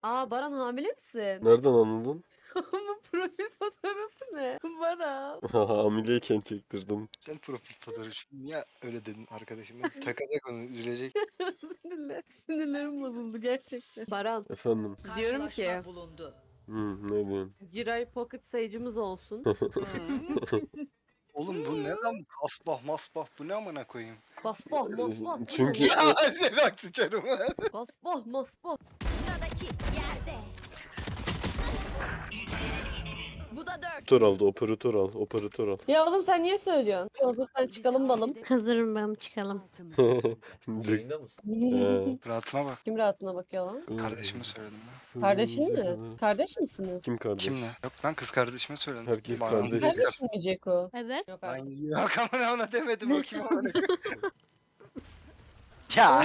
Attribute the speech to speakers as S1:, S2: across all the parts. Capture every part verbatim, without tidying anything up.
S1: Aa Baran hamile misin?
S2: Nereden anladın?
S1: Bu profil fotoğrafı ne? Baran.
S2: Hamileyken çektirdim.
S3: Güzel profil fotoğrafı. Niye öyle dedin arkadaşım? Ben takacak onu, üzülecek.
S1: Sinirler, sinirlerim bozuldu gerçekten. Baran
S2: Efendim.
S1: diyorum ki
S4: Karşılaşma bulundu.
S2: Hı, ne diyorsun?
S1: Giray Pocket sayıcımız olsun.
S3: Oğlum bu ne lan? Kasbah masbah bu ne amına koyayım?
S1: Kasbah masbah. bu ne
S2: Çünkü-
S1: lan?
S3: Ya ne bak sıçarım.
S1: Kasbah masbah.
S4: Sıradaki yerde. Bu da dört.
S2: Operatör aldı, operatör al, operatör al.
S1: Ya oğlum sen niye söylüyorsun? Hazırsan çıkalım balım.
S5: Hazırım ben çıkalım.
S6: Yayında mısın?
S2: He.
S3: Rahatına bak.
S1: Kim rahatına bakıyor lan?
S3: Kardeşime söyledim ya.
S1: Kardeşin mi? Kardeş misiniz?
S2: Kim kardeş?
S3: Kimle? Yok lan kız kardeşime söyledim.
S2: Herkes
S3: Bana-
S2: kardeş.
S1: Kardeş mi Ceko?
S5: Evet.
S1: Yok
S3: Lan
S1: artık.
S3: yok ama ona demedim o kim amına koyayım. Ya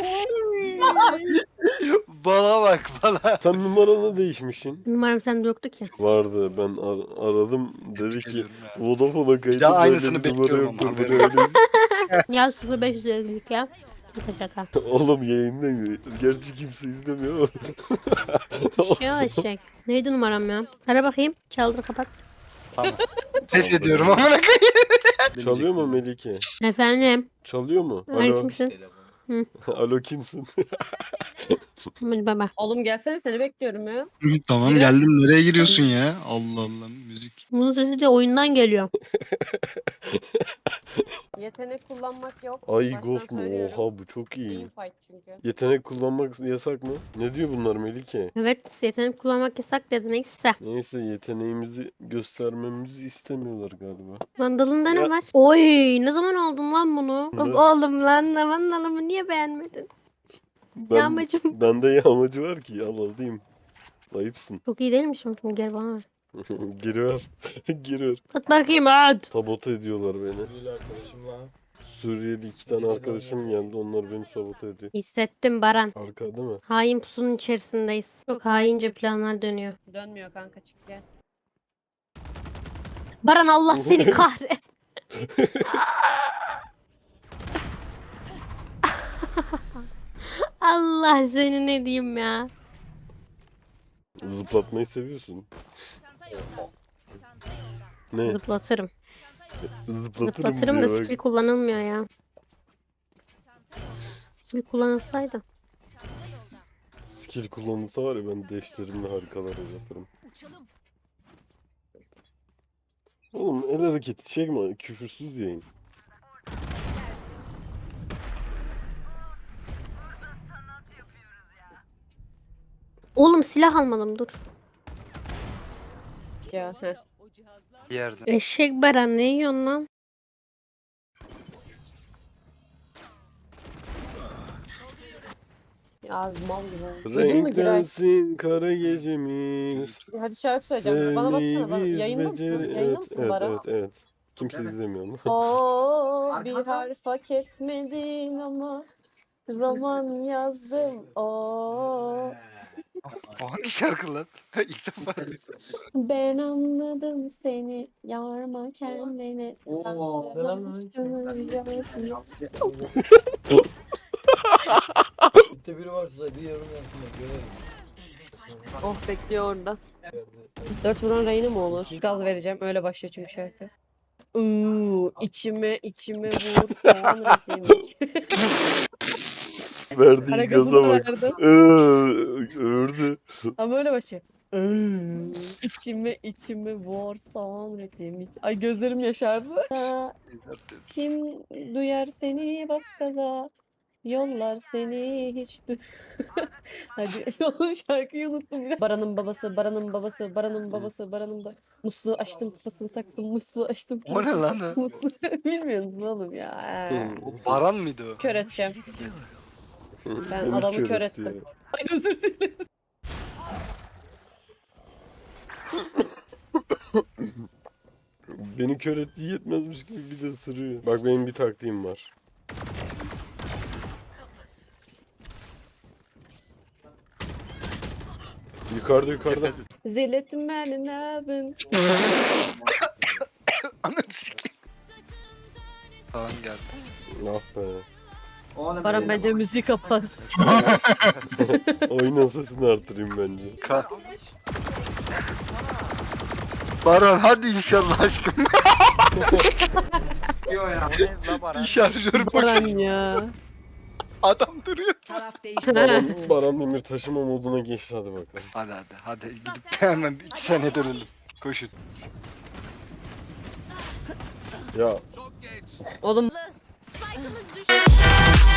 S3: bala bak bala.
S2: Sen numaranı değişmişsin.
S5: Numaram sende yoktu ki.
S2: Vardı, ben ar- aradım, dedi ki
S3: Ediyorum ya.
S2: Vodafone'a kayıtlı
S3: Ya aynısını
S2: böyle bir numara
S3: bekliyorum
S2: yoktur,
S3: ama
S2: bu
S3: haberin
S2: ne öyle.
S5: Ya sıfır beş yüz ellilik ya. Şaka şaka.
S2: Oğlum yayındayım. Gerçi kimse izlemiyor ama.
S5: Şey eşek. Neydi numaram ya? Ara bakayım. Çaldır kapat.
S3: Tamam. Pes ediyorum amına koyayım.
S2: Çalıyor mu Melike?
S5: Efendim.
S2: Çalıyor mu?
S5: Ay
S2: Alo.
S5: kimsin?
S2: Alo kimsin?
S5: Hadi baba.
S1: Oğlum gelsene seni bekliyorum ya.
S3: Tamam geldim nereye giriyorsun ya? Allah Allah müzik.
S5: Bunun sesi de oyundan geliyor.
S1: Yetenek kullanmak yok.
S2: Ay
S1: Baştan
S2: Ghost mu?
S1: söylüyorum.
S2: Oha bu çok iyi.
S1: Team fight çünkü.
S2: Yetenek kullanmak yasak mı? Ne diyor bunlar Melike?
S5: Evet yetenek kullanmak yasak dedi neyse.
S2: Neyse yeteneğimizi göstermemizi istemiyorlar galiba.
S5: Lan dalında
S2: Ya-
S5: ne var? Oy ne zaman aldın lan bunu?
S2: Ne?
S5: Oğlum lan aman alımı niye beğenmedin?
S2: Ben,
S5: Yağmacım.
S2: Bende yağmacı var ki al alayım. Ayıpsın.
S5: Çok iyi değilmişim. Gel bana ver.
S2: Giriver. Giriver.
S5: Sat bakayım hadi.
S2: Sabote ediyorlar beni.
S6: Suriyeli arkadaşımla.
S2: Suriyeli iki tane arkadaşım geldi. Onlar beni sabote ediyor.
S5: Hissettim Baran.
S2: Arka değil mi?
S5: Hain pusunun içerisindeyiz. Çok haince planlar dönüyor.
S1: Dönmüyor kanka çık gel.
S5: Baran Allah seni kahret. Allah seni ne diyeyim ya.
S2: Zıplatmayı seviyorsun. Ne?
S5: Zıplatırım.
S2: Zıplatırım,
S5: Zıplatırım da
S2: diyor bak.
S5: skill kullanılmıyor ya. Skill kullanılsaydı.
S2: Skill kullanılsa var ya ben deşlerimle harikalar yaratırım. Oğlum el hareketi çekme. Küfürsüz yayın.
S5: Oğlum silah almadım dur.
S1: Ya heh.
S3: Bir yerde.
S5: Eşek Baran ne yiyorsun lan?
S1: Ya mal gibi oldu. Duydun mu Giray?
S2: Renklensin kara gecemiz.
S1: Hadi şarkı söyleyeceğim. Bana baksana. Bana.
S2: Sevdiğimiz
S1: Yayında mısın?
S2: beceri-
S1: Yayında
S2: Evet,
S1: mısın
S2: evet,
S1: Baran?
S2: evet, evet. Kimse izlemiyor onu.
S1: Oo bir harf hak etmedin ama roman yazdım. Oo
S3: O hangi şarkı lan? İlk defa.
S1: ben anladım seni yorma kendini.
S6: Oo,
S1: selamünaleyküm.
S6: Bitte biri varsa bir yorum yazsın da görelim.
S1: Oh bekliyor orada. Dört vuran rayına mı olur? Gaz vereceğim. Öyle başlıyor çünkü şarkı. Uuu içime içime vur soğan ritim.
S2: Verdiği
S1: Ara
S2: gaza
S1: gazını
S2: bak.
S1: verdim.
S2: Ee, Ördü.
S1: Ama öyle başlıyor. Iıı, içime içime vur soğan ritim. Ay gözlerim yaşardı. Kim duyar seni bas gaza. Yollar seni hiç du... Hadi oğlum şarkıyı unuttum ya. Baran'ın babası, Baran'ın babası, Baran'ın babası, Baran'ın da musluğu açtım kafasını taktım, musluğu açtım
S3: O ne lan o?
S1: musluğu. Bilmiyor musun oğlum ya?
S3: O Baran mıydı o?
S1: Kör edeceğim. Ben
S2: Beni
S1: adamı
S2: kör
S1: kör
S2: etti
S1: ettim.
S2: ya.
S1: Ay özür dilerim.
S2: Beni kör ettiği yetmezmiş gibi bir de ısırıyor. Bak benim bir taktiğim var. Yukarıda yukarıda.
S1: Zilletin beni ne yapın?
S3: Ananı sikeyim. Tamam geldi.
S2: Ah be.
S1: Baran bence müziği kapat.
S2: Oyunun sesini artırayım bence.
S3: Ka Baran hadi inşallah aşkım. Şarjör
S1: Baran
S3: boş.
S1: ya.
S3: Adam duruyor.
S4: Taraf değişti.
S2: Baran, Baran Demir taşıma moduna geçti hadi bakalım.
S3: Hadi hadi hadi gidip hemen iki saniye dönelim. Koşun.
S2: Ya
S1: Oğlum
S4: Spike'ımız düştü.